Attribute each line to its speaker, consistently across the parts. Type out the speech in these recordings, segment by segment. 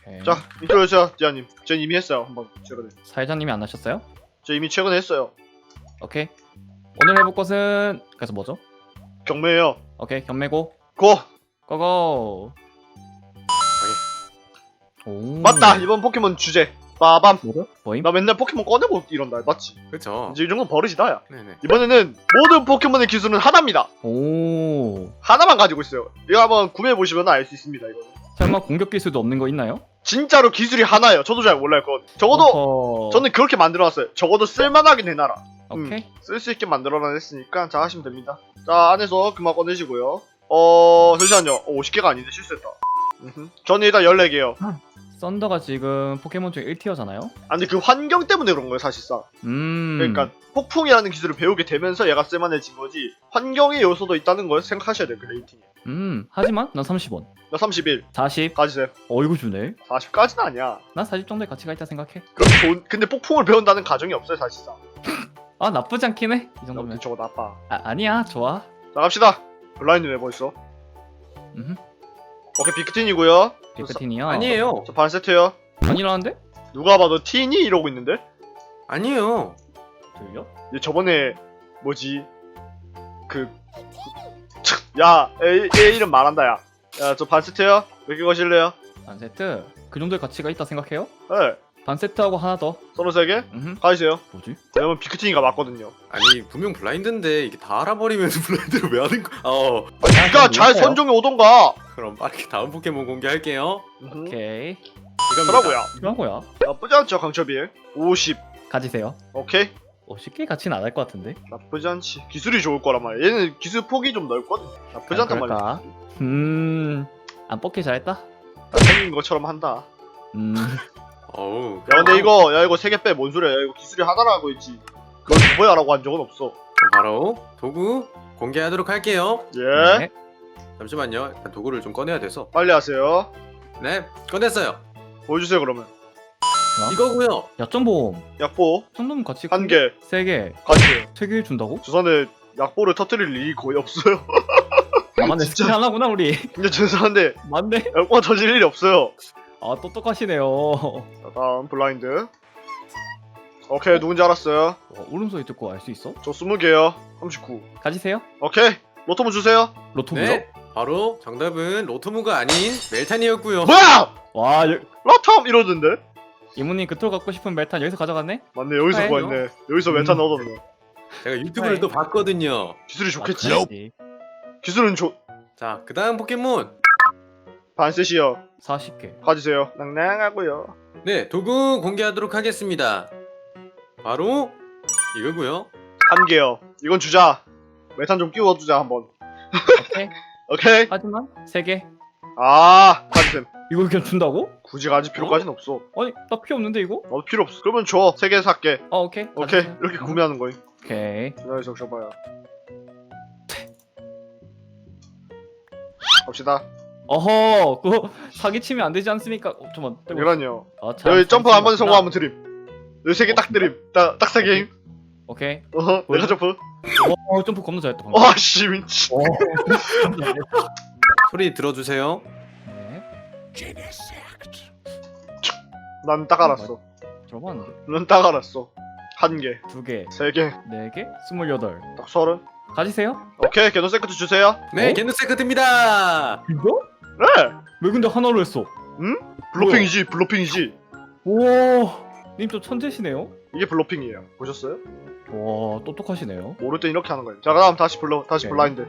Speaker 1: 오케이.
Speaker 2: 자, 인트로해주세요, 디아님. 전 이미 했어요, 한번 최근에.
Speaker 1: 사회자님이 안 하셨어요?
Speaker 2: 저 이미 최근에 했어요.
Speaker 1: 오케이. 오늘 해볼 것은 그래서 뭐죠?
Speaker 2: 경매예요.
Speaker 1: 오케이, 경매고
Speaker 2: 고!
Speaker 1: 고고. 오.
Speaker 2: 맞다! 이번 포켓몬 주제. 빠밤.
Speaker 1: 뭐죠? 뭐임?
Speaker 2: 나 맨날 포켓몬 꺼내고 이런다, 맞지?
Speaker 3: 그쵸.
Speaker 2: 이제 이 정도는 버릇이다, 야.
Speaker 3: 네네.
Speaker 2: 이번에는 모든 포켓몬의 기술은 하나입니다.
Speaker 1: 오.
Speaker 2: 하나만 가지고 있어요. 이거 한번 구매해보시면 알 수 있습니다, 이거.
Speaker 1: 설마 공격 기술도 없는 거 있나요?
Speaker 2: 진짜로 기술이 하나예요. 저도 잘 몰라요, 그건. 적어도,
Speaker 1: 어허.
Speaker 2: 저는 그렇게 만들어놨어요. 적어도 쓸만하긴 해놔라.
Speaker 1: 오케이.
Speaker 2: 쓸 수 있게 만들어놨으니까 잘 하시면 됩니다. 자, 안에서 그만 꺼내시고요. 잠시만요. 50개가 아닌데 실수했다. 저는 일단 14개요.
Speaker 1: 썬더가 지금 포켓몬 중에 1티어잖아요?
Speaker 2: 아, 근데 그 환경 때문에 그런 거예요, 사실상. 그러니까 폭풍이라는 기술을 배우게 되면서 얘가 쓸만해진 거지, 환경의 요소도 있다는 걸 생각하셔야 돼요, 그 레이팅에.
Speaker 1: 하지만 난 30원.
Speaker 2: 나 31.
Speaker 1: 40.
Speaker 2: 가지세요.
Speaker 1: 이거 주네.
Speaker 2: 40까지는 아니야.
Speaker 1: 난 40 정도의 가치가 있다 생각해.
Speaker 2: 근데 폭풍을 배운다는 가정이 없어요, 사실상.
Speaker 1: 아, 나쁘지 않긴 해. 이 정도면.
Speaker 2: 저거 나빠.
Speaker 1: 아니야, 좋아.
Speaker 2: 나갑시다. 블라인드 왜 벌써?
Speaker 1: 음흠.
Speaker 2: 오케이, 빅틴이고요.
Speaker 1: 빅크틴이요.
Speaker 3: 아니에요.
Speaker 2: 저 반 세트요.
Speaker 1: 아니라는데?
Speaker 2: 누가 봐도 티니 이러고 있는데?
Speaker 3: 아니에요.
Speaker 1: 들려?
Speaker 2: 얘 저번에 뭐지? 야, 얘 이름 말한다, 야. 야, 저 반 세트요. 몇 개 거실래요?
Speaker 1: 반 세트. 그 정도의 가치가 있다 생각해요?
Speaker 2: 네.
Speaker 1: 반 세트하고 하나 더.
Speaker 2: 33개?
Speaker 1: 음흠.
Speaker 2: 가지세요.
Speaker 1: 뭐지?
Speaker 2: 왜냐면 빅티니가 맞거든요.
Speaker 3: 아니 분명 블라인드인데 이게 다 알아버리면 블라인드를 왜 하는 거야?
Speaker 2: 그니까 잘 선정해 오던가.
Speaker 3: 그럼 빠르게 다음 포켓몬 공개할게요.
Speaker 1: 오케이.
Speaker 3: 이겁니다.
Speaker 2: 그러고요.
Speaker 1: 이런 거야.
Speaker 2: 나쁘지 않죠, 강철비. 50.
Speaker 1: 가지세요.
Speaker 2: 오케이.
Speaker 1: 쉽게 가치는 안 할 것 같은데.
Speaker 2: 나쁘지 않지. 기술이 좋을 거란 말이야. 얘는 기술 폭이 좀 넓거든. 나쁘지 않단 말이야.
Speaker 1: 그럴까? 안 뽑기 잘했다.
Speaker 2: 생긴 것처럼 한다.
Speaker 3: 어우.
Speaker 2: 야, 근데 이거 3개 빼. 뭔 소리야. 야, 이거 기술이 하나라고 했지. 그걸 뭐야라고 한 적은 없어.
Speaker 3: 그럼 바로 도구 공개하도록 할게요.
Speaker 2: 예.
Speaker 1: 네.
Speaker 3: 잠시만요. 일단 도구를 좀 꺼내야 돼서.
Speaker 2: 빨리 하세요.
Speaker 3: 네, 꺼냈어요.
Speaker 2: 보여주세요, 그러면.
Speaker 3: 이거고요.
Speaker 1: 약점보험.
Speaker 2: 약보
Speaker 1: 정도면 가치
Speaker 2: 1개.
Speaker 1: 3개.
Speaker 2: 가지세요.
Speaker 1: 3개 준다고?
Speaker 2: 죄송한데 약보를 터뜨릴 일이 거의 없어요.
Speaker 1: 아, 맞네.
Speaker 2: 진짜.
Speaker 1: 스킨 하나구나 우리.
Speaker 2: 근데 죄송한데
Speaker 1: 맞네.
Speaker 2: 약보가 터질 일이 없어요.
Speaker 1: 아, 똑똑하시네요.
Speaker 2: 자, 다음 블라인드. 오케이, 누군지 알았어요.
Speaker 1: 울음소리 듣고 알 수 있어?
Speaker 2: 저 20개요. 39.
Speaker 1: 가지세요.
Speaker 2: 오케이. 로토문 주세요.
Speaker 1: 로토무요?
Speaker 3: 네, 바로 정답은 로토무가 아닌 멜탄이었고요.
Speaker 2: 뭐야!
Speaker 1: 와,
Speaker 2: 로톰! 이러던데?
Speaker 1: 이모님 그토록 갖고 싶은 멜탄 여기서 가져갔네?
Speaker 2: 맞네, 여기서
Speaker 1: 아이고.
Speaker 2: 구했네. 여기서 멘탄 얻었네.
Speaker 3: 제가 유튜브를
Speaker 1: 네.
Speaker 3: 또 봤거든요.
Speaker 2: 기술이 좋겠지?
Speaker 1: 맞지.
Speaker 2: 기술은
Speaker 3: 자, 그 다음 포켓몬.
Speaker 2: 반셋이요.
Speaker 1: 40개.
Speaker 2: 가지세요. 낭낭하고요.
Speaker 3: 네, 도구 공개하도록 하겠습니다. 바로 이거고요.
Speaker 2: 1개요. 이건 주자. 메탄 좀 끼워주자, 한번.
Speaker 1: 오케이.
Speaker 2: 오케이?
Speaker 1: 하지만 3개.
Speaker 2: 가지셈.
Speaker 1: 이거 그냥 준다고?
Speaker 2: 굳이 가질 필요까지는 없어.
Speaker 1: 아니, 나 필요 없는데 이거?
Speaker 2: 나도 필요 없어. 그러면 줘. 3개 살게.
Speaker 1: 오케이.
Speaker 2: 오케이.
Speaker 1: 가져가세요.
Speaker 2: 이렇게 구매하는 거임.
Speaker 1: 오케이.
Speaker 2: 기다려서 줘봐요. 갑시다.
Speaker 1: 어허, 그거 사기치면 안 되지 않습니까? 잠깐만.
Speaker 2: 이란요.
Speaker 1: 참,
Speaker 2: 여기 점프 한 번
Speaker 1: 사기치면
Speaker 2: 성공하면 드림. 여기 3개 딱 드림. 딱 3개임.
Speaker 1: 오케이.
Speaker 2: 내가 점프.
Speaker 1: 점프 겁나 잘했다 방금.
Speaker 2: 와, 씨, 미치.
Speaker 3: 소리 들어주세요.
Speaker 1: 네.
Speaker 2: 난 딱 알았어.
Speaker 1: 들어봤는데.
Speaker 2: 난 딱 알았어. 1개,
Speaker 1: 2개,
Speaker 2: 3개,
Speaker 1: 4개, 28.
Speaker 2: 딱 30.
Speaker 1: 가지세요?
Speaker 2: 오케이, 게노 세크트 주세요.
Speaker 3: 네,
Speaker 1: 어?
Speaker 3: 겐누세크트입니다.
Speaker 1: 이거?
Speaker 2: 네!
Speaker 1: 왜 근데 하나로 했어?
Speaker 2: 블로핑이지, 블로핑이지.
Speaker 1: 오, 님 좀 천재시네요.
Speaker 2: 이게 블로핑이에요. 보셨어요?
Speaker 1: 와, 똑똑하시네요.
Speaker 2: 모를 땐 이렇게 하는 거예요. 자, 그다음 다시
Speaker 1: 오케이.
Speaker 2: 블라인드.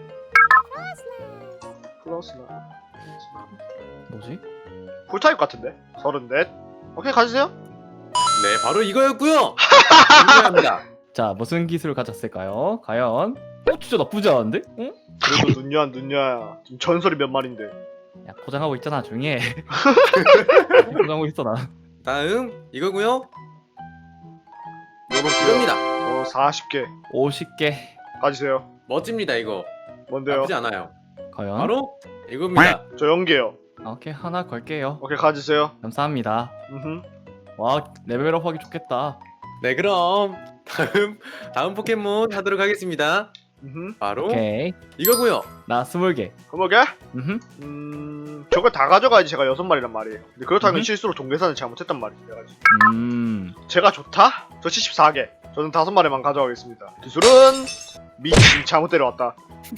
Speaker 2: 플러스나.
Speaker 1: 뭐지?
Speaker 2: 풀타입 같은데? 34. 오케이, 가주세요.
Speaker 3: 네, 바로 이거였고요. 공개합니다.
Speaker 1: 자, 무슨 기술을 가졌을까요? 과연? 진짜 나쁘지 않은데? 응?
Speaker 2: 그래도 눈녀야. 지금 전설이 몇 마리인데.
Speaker 1: 야, 포장하고 있잖아. 조용히 해. 포장하고 있어 나.
Speaker 3: 다음 이거고요.
Speaker 2: 요렇게요.
Speaker 3: 이겁니다.
Speaker 2: 40개.
Speaker 1: 50개.
Speaker 2: 가주세요.
Speaker 3: 멋집니다 이거.
Speaker 2: 뭔데요?
Speaker 3: 나쁘지 않아요.
Speaker 1: 과연?
Speaker 3: 바로 이겁니다.
Speaker 2: 저 0개요.
Speaker 1: 오케이, 하나 걸게요.
Speaker 2: 오케이, 가주세요.
Speaker 1: 감사합니다.
Speaker 2: 음흠.
Speaker 1: 와, 레벨업 하기 좋겠다.
Speaker 3: 네, 그럼 다음 포켓몬 하도록 하겠습니다. 바로
Speaker 1: 오케이.
Speaker 3: 이거고요.
Speaker 2: 그
Speaker 1: 나 20개.
Speaker 2: 그거게?
Speaker 1: 음흠.
Speaker 2: 저걸 다 가져가야지 제가 6마리란 말이에요. 근데 그렇다면
Speaker 1: 음흠.
Speaker 2: 실수로 동계산을 잘못했단 말이지. 내가 지금. 제가 좋다? 저 74개. 저는 5마리만 가져가겠습니다. 기술은 미친 잘못 데려왔다.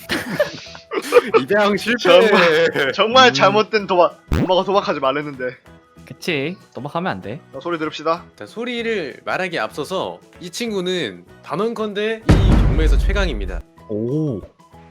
Speaker 3: 입양 실패.
Speaker 2: 정말 잘못된 도박. 엄마가 도박하지 말랬는데.
Speaker 1: 그치. 도박하면 안 돼.
Speaker 2: 자, 소리 들읍시다.
Speaker 3: 자, 소리를 말하기에 앞서서 이 친구는 단언컨대 이 경매에서 최강입니다.
Speaker 1: 오.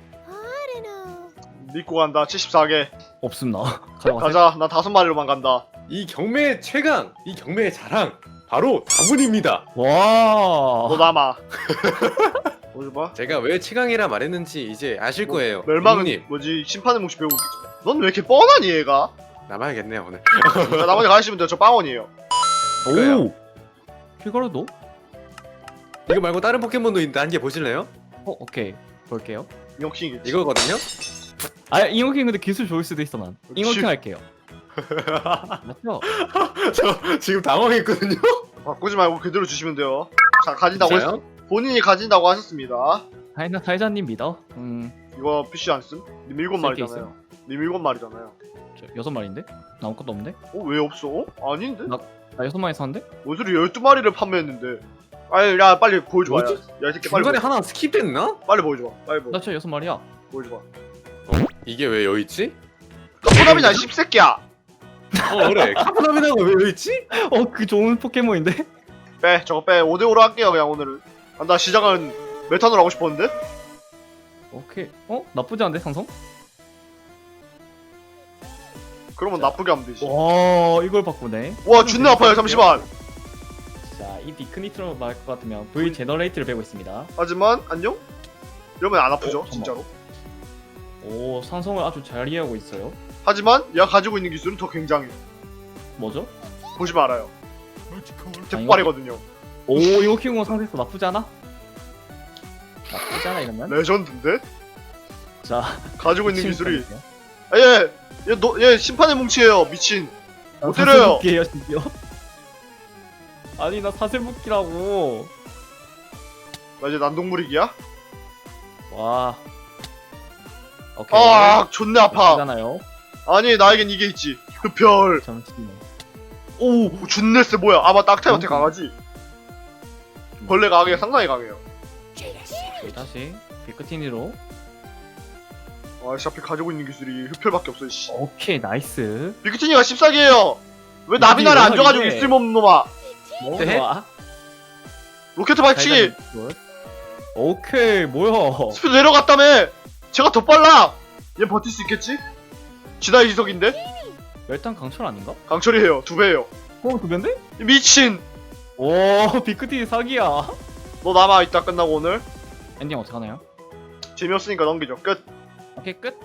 Speaker 2: 믿고 간다. 74개.
Speaker 1: 없음 나. 가져가세요.
Speaker 2: 가자. 나 5마리로만 간다.
Speaker 3: 이 경매의 최강, 이 경매의 자랑 바로 다분입니다.
Speaker 2: 너
Speaker 1: 와.
Speaker 2: 남아. 보여줘봐.
Speaker 3: 제가 왜 최강이라 말했는지 이제 아실 거예요.
Speaker 2: 멸망은
Speaker 3: 님
Speaker 2: 뭐지? 심판의 몫이 배우고 있겠지. 넌 왜 이렇게 뻔하니 얘가?
Speaker 3: 남아야겠네요 오늘.
Speaker 2: 자, 나머지 가시면 돼요. 저 빵원이에요.
Speaker 3: 그거요.
Speaker 1: 오. 킬거로도?
Speaker 3: 이거 말고 다른 포켓몬도 있는데 한 개 보실래요?
Speaker 1: 오케이. 볼게요.
Speaker 2: 이용킹이겠지.
Speaker 3: 이거거든요.
Speaker 1: 아, 잉어킹 근데 기술 좋을 수도 있어 난. 잉어킹
Speaker 2: 씨.
Speaker 1: 할게요. 맞죠?
Speaker 3: 저 지금 당황했거든요.
Speaker 2: 바꾸지 말고 그대로 주시면 돼요. 자, 가진다고 했...
Speaker 3: 진짜요?
Speaker 2: 본인이 가진다고 하셨습니다.
Speaker 1: 사이자님 믿어.
Speaker 2: 이거 PC 안 쓴? 님 7마리잖아요. 님 7마리잖아요.
Speaker 1: 저 6마리인데? 나 아무것도 없는데?
Speaker 2: 왜 없어? 아닌데?
Speaker 1: 나 6마리 샀는데?
Speaker 2: 뭔 소리 12마리를 판매했는데. 아니, 야, 빨리 보여줘봐. 야,
Speaker 3: 뭐지?
Speaker 2: 야, 이 새끼 빨리
Speaker 3: 중간에
Speaker 2: 보여줘.
Speaker 3: 하나 스킵됐나?
Speaker 2: 빨리 보여줘봐. 빨리
Speaker 1: 나 진짜 6마리야.
Speaker 2: 보여줘봐.
Speaker 3: 이게 왜 여기 있지?
Speaker 2: 카포남이냐, 씹새끼야!
Speaker 3: 그래. 카푸나미나가 왜 여기 있지?
Speaker 1: 그 좋은 포켓몬인데?
Speaker 2: 빼, 저거 빼. 5대5로 할게요, 그냥 오늘은. 아, 나 시작은 메탄으로 하고 싶었는데?
Speaker 1: 오케이. 나쁘지 않은데, 상성?
Speaker 2: 그러면 나쁘게 하면 되지.
Speaker 1: 와, 이걸 바꾸네.
Speaker 2: 와, 존나 아파요, 잠시만!
Speaker 1: 자, 이 비크니트로 말할 것 같으면 V 제너레이트를 배고 있습니다.
Speaker 2: 하지만, 안녕? 이러면 안 아프죠,
Speaker 1: 잠깐만.
Speaker 2: 진짜로.
Speaker 1: 오, 상성을 아주 잘 이해하고 있어요.
Speaker 2: 하지만, 얘가 가지고 있는 기술은 더 굉장해.
Speaker 1: 뭐죠?
Speaker 2: 보지 말아요. 대빨이거든요.
Speaker 1: 오, 이거 키우고 상태에서 나쁘지 않아? 나쁘지 않아, 이러면?
Speaker 2: 레전드인데?
Speaker 1: 자,
Speaker 2: 가지고 있는 기술이.
Speaker 1: 지금
Speaker 2: 아, 얘 심판의 뭉치예요, 미친. 못 때려요.
Speaker 1: 사슬묶기예요, 심지어. 아니, 나 사슬묶기라고.
Speaker 2: 나 이제 난동무리기야?
Speaker 1: 와. 오케이.
Speaker 2: 아, 존나 아파.
Speaker 1: 잖아요.
Speaker 2: 아니, 나에겐 이게 있지. 흡혈.
Speaker 1: 잠시만요. 오,
Speaker 2: 존나 세 뭐야? 아, 맞다. 악타한테
Speaker 1: 어?
Speaker 2: 강하지. 벌레 강해, 상당히 강해요.
Speaker 1: 오케이, 다시 비크티니로.
Speaker 2: 아, 씨, 앞에 가지고 있는 기술이 흡혈밖에 없어, 씨.
Speaker 1: 오케이, 나이스.
Speaker 2: 비크티니가 14개예요. 왜 나비나를 안 줘가지고
Speaker 1: 이게.
Speaker 2: 있을몸 놈아.
Speaker 1: 뭐
Speaker 3: 네?
Speaker 1: 좋아?
Speaker 2: 로켓 발치기.
Speaker 1: 오케이, 뭐야?
Speaker 2: 스피드 내려갔다며. 제가 더 빨라. 얘 버틸 수 있겠지? 지다의 이석인데?
Speaker 1: 열탄 강철 아닌가?
Speaker 2: 강철이에요. 2배예요.
Speaker 1: 두 배인데?
Speaker 2: 미친.
Speaker 1: 오, 비크티니 사기야.
Speaker 2: 너 남아 이따 끝나고 오늘.
Speaker 1: 엔딩 어떡하나요?
Speaker 2: 재미없으니까 넘기죠. 끝.
Speaker 1: 오케이, 끝.